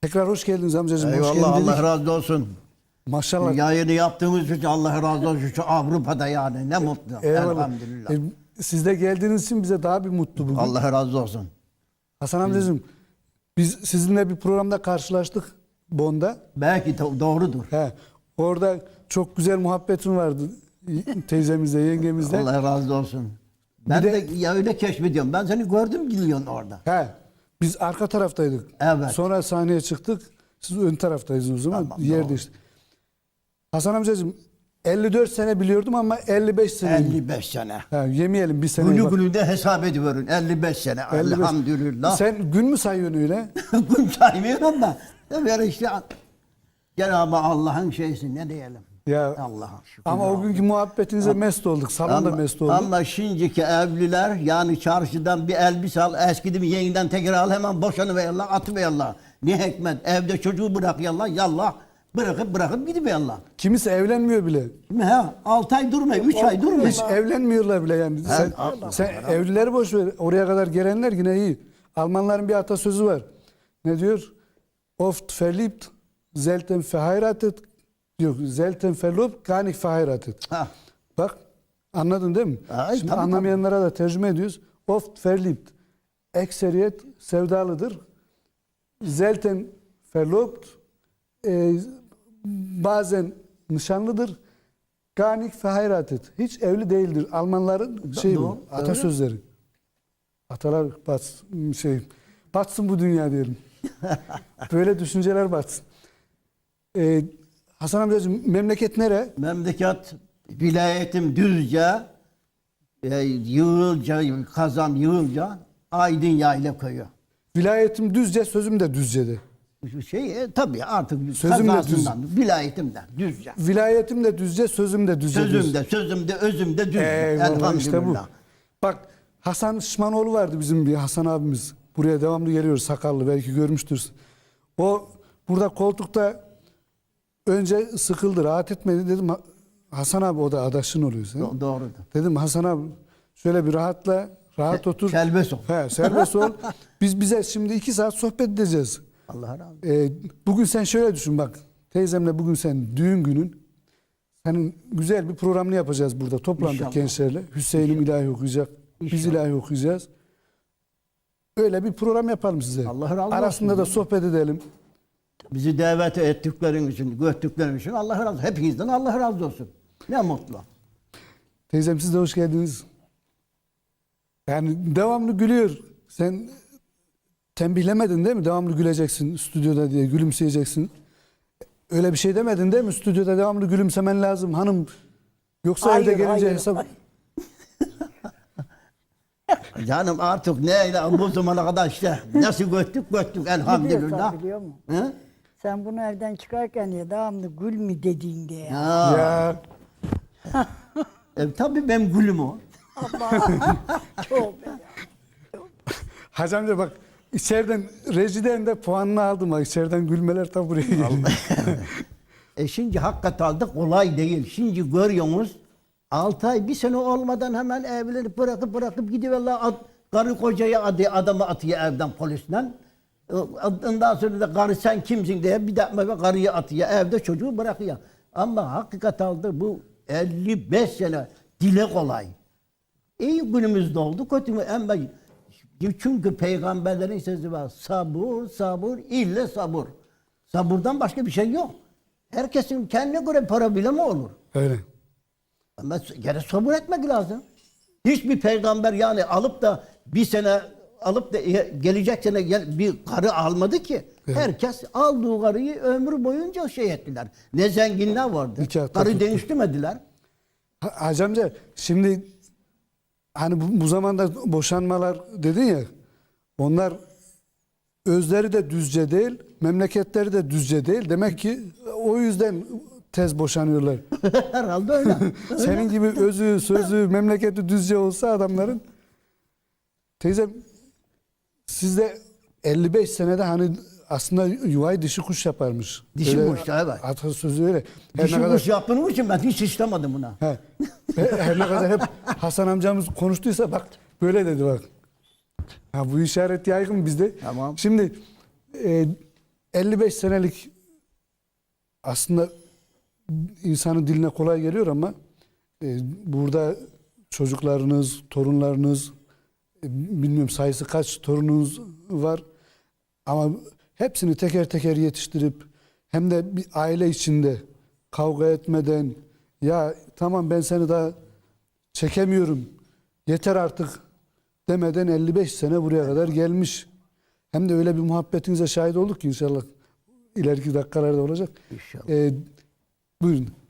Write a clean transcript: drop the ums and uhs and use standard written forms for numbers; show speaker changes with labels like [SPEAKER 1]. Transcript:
[SPEAKER 1] Tekrar hoş geldiniz amcacığım. Hoş
[SPEAKER 2] Eyvallah,
[SPEAKER 1] geldin dedik.
[SPEAKER 2] Allah razı olsun.
[SPEAKER 1] Maşallah.
[SPEAKER 2] Yayını yaptığımız için Allah razı olsun. Şu Avrupa'da yani ne mutlu.
[SPEAKER 1] Eyvallah.
[SPEAKER 2] Elhamdülillah.
[SPEAKER 1] Siz de geldiğiniz için bize daha bir mutlu bugün.
[SPEAKER 2] Allah razı olsun.
[SPEAKER 1] Hasan amcacığım, biz sizinle bir programda karşılaştık Bonn'da.
[SPEAKER 2] Belki doğrudur.
[SPEAKER 1] He, orada çok güzel muhabbetin vardı teyzemizle, yengemizle.
[SPEAKER 2] Allah razı olsun. Ben
[SPEAKER 1] Bir
[SPEAKER 2] de ya öyle keşfediyorum. Ben seni gördüm gidiyorsun orada.
[SPEAKER 1] He, biz arka taraftaydık.
[SPEAKER 2] Evet.
[SPEAKER 1] Sonra sahneye çıktık. Siz ön taraftaydınız o zaman.
[SPEAKER 2] Tamam,
[SPEAKER 1] Yer
[SPEAKER 2] doğru.
[SPEAKER 1] değişti. Hasan amcacığım 54 sene biliyordum ama 55 sene.
[SPEAKER 2] 55 sene.
[SPEAKER 1] Ha, yemeyelim bir sene.
[SPEAKER 2] Günü günü de hesap ediyorum. 55 sene.
[SPEAKER 1] 55.
[SPEAKER 2] Elhamdülillah.
[SPEAKER 1] Sen gün mü sayıyorsun öyle?
[SPEAKER 2] Gün saymıyorum da. Böyle işte Cenab-ı Allah'ın şeysi ne diyelim.
[SPEAKER 1] Ya
[SPEAKER 2] Allah'a şükür.
[SPEAKER 1] ama o günkü muhabbetinize mest olduk. Salonda mest olduk.
[SPEAKER 2] Ama şimdiki evliler yani çarşıdan bir elbise al, eskidi mi yeniden tekrar al hemen boşanıverirler, atıverirler. Ne hikmet, evde çocuğu bırakıyorlar, yallah bırakıp gidiverirler.
[SPEAKER 1] Kimisi evlenmiyor bile.
[SPEAKER 2] He, 6 ay durmuyor, 3 ay durmuyor.
[SPEAKER 1] Hiç evlenmiyorlar bile yani. Sen evlileri boş ver. Oraya kadar gelenler yine iyi. Almanların bir atasözü var. Ne diyor? Oft verliebt, selten verheiratet. Yok, selten verlobt, gar nicht verheiratet.
[SPEAKER 2] Ha.
[SPEAKER 1] Bak, anladın değil mi?
[SPEAKER 2] Ay,
[SPEAKER 1] Şimdi
[SPEAKER 2] tabii,
[SPEAKER 1] anlamayanlara da tercüme ediyoruz. Oft verliebt, ekseriyet sevdalıdır. Selten verlobt, bazen nişanlıdır. Gar nicht verheiratet. Hiç evli değildir. Almanların şeyi bu,
[SPEAKER 2] doğru,
[SPEAKER 1] atasözleri. Atalar batsın bu dünya diyelim. Böyle düşünceler batsın. Hasan amcacığım memleket nere?
[SPEAKER 2] Memleket vilayetim Düzce, Yığılca, Kazan Yığılca, Aydın Yayla Köyü.
[SPEAKER 1] Vilayetim Düzce, sözüm de Düzce'de.
[SPEAKER 2] Tabii artık
[SPEAKER 1] Sözüm de
[SPEAKER 2] kazasından, vilayetimden Düzce.
[SPEAKER 1] Vilayetim de Düzce, sözüm de Düzce.
[SPEAKER 2] Sözümde, özümde Düzce.
[SPEAKER 1] Eyvallah,
[SPEAKER 2] Elhamdülillah.
[SPEAKER 1] işte bu. Bak Hasan Şışmanoğlu vardı bizim bir Hasan abimiz. Buraya devamlı geliyor sakallı, belki görmüştür. O burada koltukta önce sıkıldı, rahat etmedi. Dedim Hasan abi, o da adaşın oluyor sen.
[SPEAKER 2] Doğrudur.
[SPEAKER 1] Dedim Hasan abi şöyle bir rahat otur.
[SPEAKER 2] Serbest ol.
[SPEAKER 1] He, serbest ol. Bize şimdi 2 saat sohbet edeceğiz.
[SPEAKER 2] Allah razı olsun.
[SPEAKER 1] Bugün sen şöyle düşün bak. Teyzemle bugün sen düğün günün. Senin güzel bir programını yapacağız burada. Toplandık
[SPEAKER 2] İnşallah.
[SPEAKER 1] gençlerle. Hüseyin'im ilahi okuyacak. Biz
[SPEAKER 2] İnşallah.
[SPEAKER 1] ilahi okuyacağız. Öyle bir program yapalım size.
[SPEAKER 2] Allah razı olsun.
[SPEAKER 1] Arasında da sohbet edelim.
[SPEAKER 2] Bizi davet ettiklerin için, gördüklerin için Allah razı olsun. Hepinizden Allah razı olsun. Ne mutlu.
[SPEAKER 1] Teyzem siz de hoş geldiniz. Yani devamlı gülüyor. Sen tembihlemedin değil mi? Devamlı güleceksin stüdyoda diye, gülümseyeceksin. Öyle bir şey demedin değil mi? Stüdyoda devamlı gülümsemen lazım hanım. Yoksa
[SPEAKER 3] Hayır,
[SPEAKER 1] evde gelince
[SPEAKER 3] hayır.
[SPEAKER 1] hesap...
[SPEAKER 2] Canım artık neyle bu zamana kadar işte nasıl göttük elhamdülillah.
[SPEAKER 3] Biliyorsan biliyor musun?
[SPEAKER 2] Hı?
[SPEAKER 3] Sen bunu evden çıkarken ya devamlı gül mü dediğinde ya.
[SPEAKER 2] Ha.
[SPEAKER 1] Ya
[SPEAKER 2] Tabii benim gülüm o.
[SPEAKER 3] Çok.
[SPEAKER 1] Hacı amca bak içeriden rejiden de puanını aldım. Bak içeriden gülmeler tam buraya geliyor.
[SPEAKER 2] Şimdi hakikaten de kolay değil. Şimdi görüyorsunuz 6 ay bir sene olmadan hemen evlenip bırakıp gidiyorlar. Karı kocayı adamı atıyor evden polisten. Ondan sonra da karı sen kimsin diye bir de karıyı atıyor evde çocuğu bırakıyor. Ama hakikaten de bu 55 sene dile kolay. İyi günümüzde oldu kötü mü? Ama çünkü peygamberlerin sözü var. Sabır, ille sabır. Sabırdan başka bir şey yok. Herkesin kendine göre para bile mi olur?
[SPEAKER 1] Öyle.
[SPEAKER 2] Ama gene sabır etmek lazım. Hiçbir peygamber yani alıp da bir sene alıp da gelecek sene bir karı almadı ki.
[SPEAKER 1] Evet.
[SPEAKER 2] Herkes aldığı karıyı ömrü boyunca şey ettiler. Ne zenginler vardı.
[SPEAKER 1] Nikahta
[SPEAKER 2] Karı
[SPEAKER 1] tuttu.
[SPEAKER 2] değiştirmediler.
[SPEAKER 1] Hacı amca şimdi hani bu zamanda boşanmalar dedin ya, onlar özleri de düzce değil, memleketleri de düzce değil. Demek ki o yüzden tez boşanıyorlar.
[SPEAKER 2] Herhalde öyle.
[SPEAKER 1] Senin gibi özü, sözü, memleketi düzce olsa adamların. Teyzem sizde 55 senede hani aslında yuvayı dişi kuş yaparmış.
[SPEAKER 2] Dişi
[SPEAKER 1] Öyle
[SPEAKER 2] kuş, evet.
[SPEAKER 1] Atasözü öyle. Her
[SPEAKER 2] Dişi
[SPEAKER 1] ne kadar,
[SPEAKER 2] kuş yaptığım için ben hiç istemedim buna.
[SPEAKER 1] he, her ne kadar hep Hasan amcamız konuştuysa bak böyle dedi bak. Ha, bu işaret yaygın bizde.
[SPEAKER 2] Tamam.
[SPEAKER 1] Şimdi 55 senelik aslında insanın diline kolay geliyor ama burada çocuklarınız, torunlarınız, bilmiyorum sayısı kaç torununuz var ama hepsini teker teker yetiştirip hem de bir aile içinde kavga etmeden ya tamam ben seni daha çekemiyorum yeter artık demeden 55 sene buraya kadar gelmiş. Hem de öyle bir muhabbetinize şahit olduk ki inşallah ileriki dakikalarda olacak.
[SPEAKER 2] İnşallah.
[SPEAKER 1] Buyurun.